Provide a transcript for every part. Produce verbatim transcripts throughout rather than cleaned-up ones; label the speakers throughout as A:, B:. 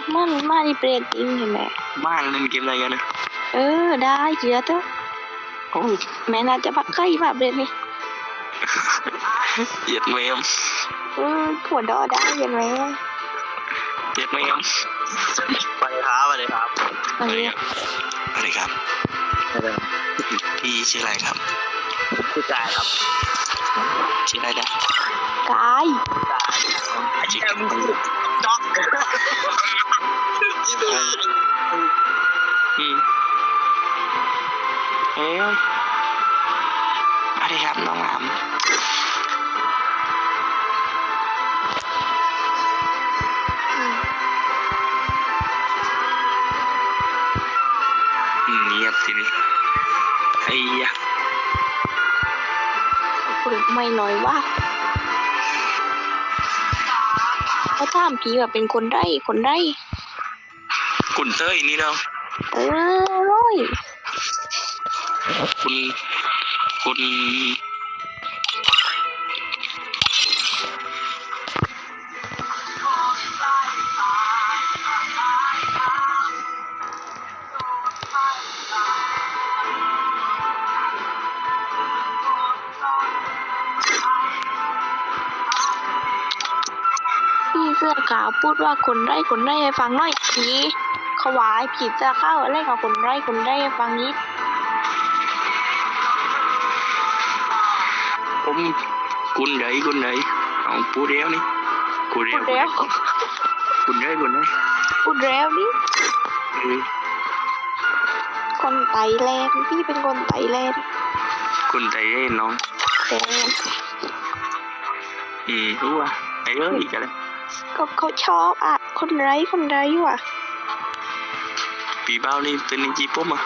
A: มันมาที่เปรตจริงเห็นไหม
B: บ้านเล่นเกมอะไรกันนะ
A: เออได้เชื่อเถอะ
B: โอ้ย
A: แม่น่าจะพักใกล้มาเปรตนี่
B: เหยียดแมม
A: เออหัวดอได้เห็นไหม
B: เหยียดแมมไปครับไปเลยครับ
A: ตอนนี้
B: สวัสดีครับพี่ชื่ออะไรครับชื่อกายครับชื่ออะไรนะ
A: กาย
B: กายชื่อแอมด็อกอืมเฮ้ยสวัสดีครับน้องหลามเงียบทีนี้ไอ้ยะ
A: คุณไม่น้อยว่าเขาถามพี่ว่าเป็นคนไร่คนไร่
B: คุณเต้ยนี่เนาะ
A: เออร้อย
B: คุณคุณ
A: พี่เสื้อขาวพูดว่าคนไร่คนไร่ให้ฟังหน่อยผีเขาวายผีจะเข้าอะไรกับคนไร่คนไร่ให้ฟังนิด
B: ผมคุณไหนคุณไหนเอาพูดเร็วนี่พูดเร็ว
A: พูดแล้ว
B: คุณไหนคุณไหน
A: พูดแล้วนี่
B: เออ
A: คนไตแลนด์พี่เป็นคนไตแลนด์
B: คุณใจเย็นน้อง
A: แต่
B: อืมรู้ว่าไอ้เอ้ยกันเลย
A: ก็เขาชอบอ่ะคนไร้คนไร้ว่ะ
B: ปีเบ้านี่เป็นจีปุ๊มอ่ะ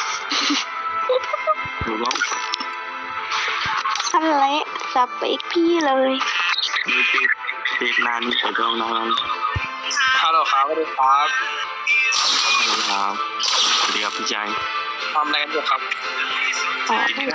B: ถูกต้อง
A: นั่นแหละสเปคพี่เลย
B: มีติดติดนานแต่ตรงน้องฮัลโหลครับสวัสดีครับสวัสดีครับสวัสดีครับพี่ชายทำอะไรกันอยู่ครับ
A: อ๋อ